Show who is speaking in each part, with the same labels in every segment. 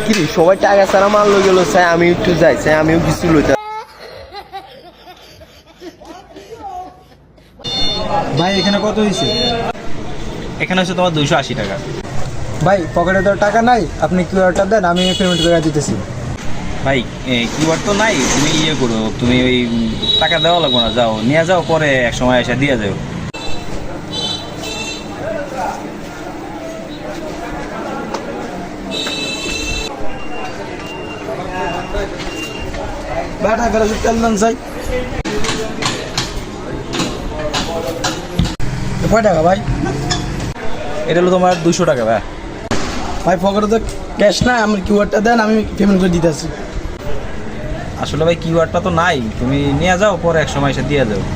Speaker 1: কি রে, সবাই টাকা ছাড়া মাল লই গেল, চাই আমি একটু যাই, চাই আমিও কিছু লইতে।
Speaker 2: ভাই এখানে কত হয়েছে?
Speaker 3: এখানে হচ্ছে তোমার 280 টাকা।
Speaker 2: ভাই পকেটে তো টাকা নাই, আপনি কিউআরটা দেন, আমি পেমেন্ট করে দিতেছি।
Speaker 3: ভাই কিউআর তো নাই, তুমি ইয়ে করো, তুমি ওই টাকা দেওয়া লাগবে না, যাও নিয়ে যাও, পরে এক সময় এসে দিয়ে যাও।
Speaker 2: ভাই টাকা তেল দেন চাই। কয় টাকা ভাই?
Speaker 3: এটা হলো তোমার 200 টাকা। ভাই
Speaker 2: ভাই পকেটে তো ক্যাশ নাই, আমি কিউআরটা দেন, আমি পেমেন্ট করে দিতেছি।
Speaker 3: আসলে ভাই কিউআরটা তো নাই, তুমি নিয়ে যাও, পরে এক সময় এসে দিয়ে যাও।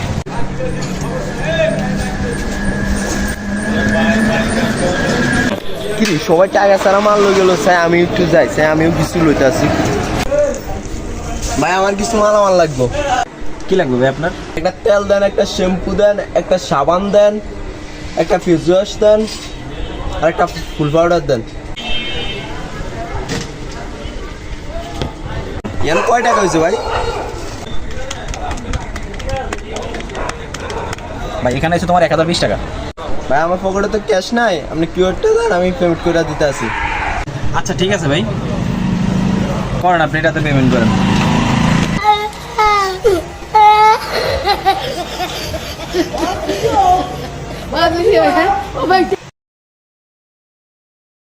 Speaker 1: কি রে, সবাই টাকা ছাড়া মাল লই গেল, চাই আমি একটু যাই, চাই আমিও কিছু লইতে আসি। ভাই আমার কিছু মালামাল লাগবে।
Speaker 3: কি লাগবে ভাই আপনার?
Speaker 1: একটা তেল দেন, একটা শ্যাম্পু দেন, একটা সাবান দেন, একটা ফেস ওয়াশ দেন, আর একটা ফুল পাউডার দেন। ইয়ান কয় টাকা হয়েছে ভাই?
Speaker 3: ভাই এখানে হচ্ছে তোমার 1020 টাকা।
Speaker 1: ভাই আমার পকেটে তো ক্যাশ নাই, আপনি কিউআরটা দেন, আমি পেমেন্ট করে দিতে আসি।
Speaker 3: আচ্ছা ঠিক আছে ভাই, করেন, আপনি এটাতে পেমেন্ট করেন।
Speaker 4: Vai, menina. Vai,